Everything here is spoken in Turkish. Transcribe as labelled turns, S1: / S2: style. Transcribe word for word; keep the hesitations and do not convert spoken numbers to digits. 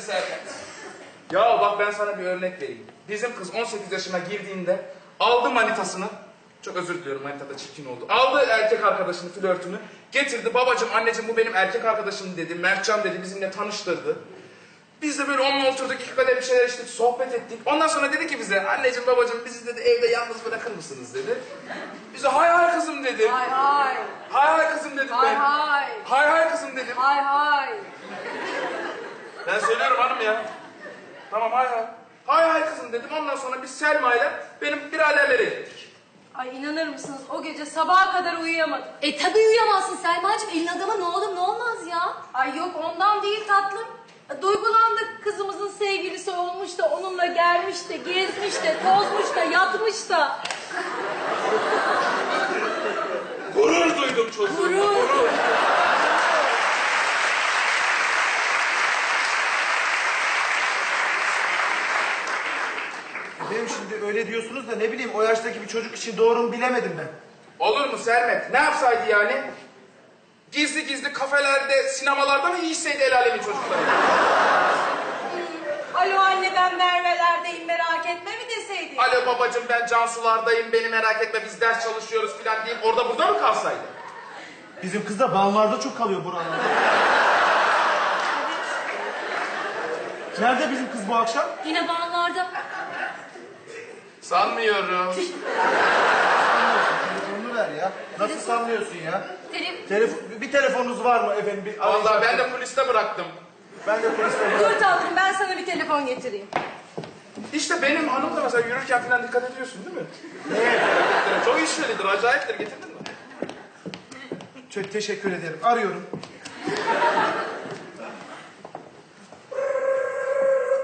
S1: Serkan. Ya bak ben sana bir örnek vereyim. Bizim kız on sekiz yaşına girdiğinde aldı manitasını, çok özür diliyorum manita da çirkin oldu. Aldı erkek arkadaşını, flörtünü, getirdi. Babacığım, anneciğim bu benim erkek arkadaşım dedi. Mertcan dedi, bizimle tanıştırdı. Biz de böyle onunla oturduk, iki kadeh bir şeyler içtik, sohbet ettik. Ondan sonra dedi ki bize, anneciğim babacığım bizi dedi evde yalnız bırakır mısınız dedi. Bize hay hay kızım dedim.
S2: Hay hay.
S1: Hay hay kızım dedim
S2: Hay
S1: ben.
S2: hay.
S1: Hay hay kızım dedim.
S2: Hay hay.
S1: Ben söylüyorum hanım ya. Tamam hay hay. Hay hay kızım dedim. Ondan sonra biz Selma'yla benim biraderlere gittik.
S2: Ay inanır mısınız o gece sabaha kadar uyuyamadım.
S3: E tabii uyuyamazsın Selma'cığım. Elin adama ne olur ne olmaz ya.
S2: Ay yok ondan değil tatlım. Duygulandık, kızımızın sevgilisi olmuş da onunla gelmiş de, gezmiş de, tozmuş da, yatmış da.
S1: Gurur duydum çocuğum.
S2: Gurur.
S1: Gurur.
S4: Benim şimdi öyle diyorsunuz da ne bileyim o yaştaki bir çocuk için doğru mu bilemedim ben.
S1: Olur mu Sermet? Ne yapsaydı yani? Gizli gizli kafelerde, sinemalarda mı yiyişseydi el alemin çocukları?
S2: Alo anne ben Merve'lerdeyim merak etme mi deseydi?
S1: Alo babacığım ben Cansulardayım, beni merak etme biz ders çalışıyoruz filan deyip orada burada mı kalsaydı?
S4: Bizim kız da ballarda çok kalıyor buralarda. Nerede bizim kız bu akşam?
S3: Yine bağlarda.
S1: Sanmıyorum.
S4: Telefonunu ver ya. Nasıl sanmıyorsun ya?
S3: Telef
S4: Telefon, bir telefonunuz var mı efendim? Bir
S1: Vallahi ben de poliste bıraktım.
S4: Ben de poliste
S2: Dur tatlım ben sana bir telefon getireyim.
S1: İşte benim hanım da mesela yürürken filan dikkat ediyorsun değil mi?
S4: Neye?
S1: Çok işvelidir, acayiptir. Getirdin mi?
S4: Çok teşekkür ederim. Arıyorum.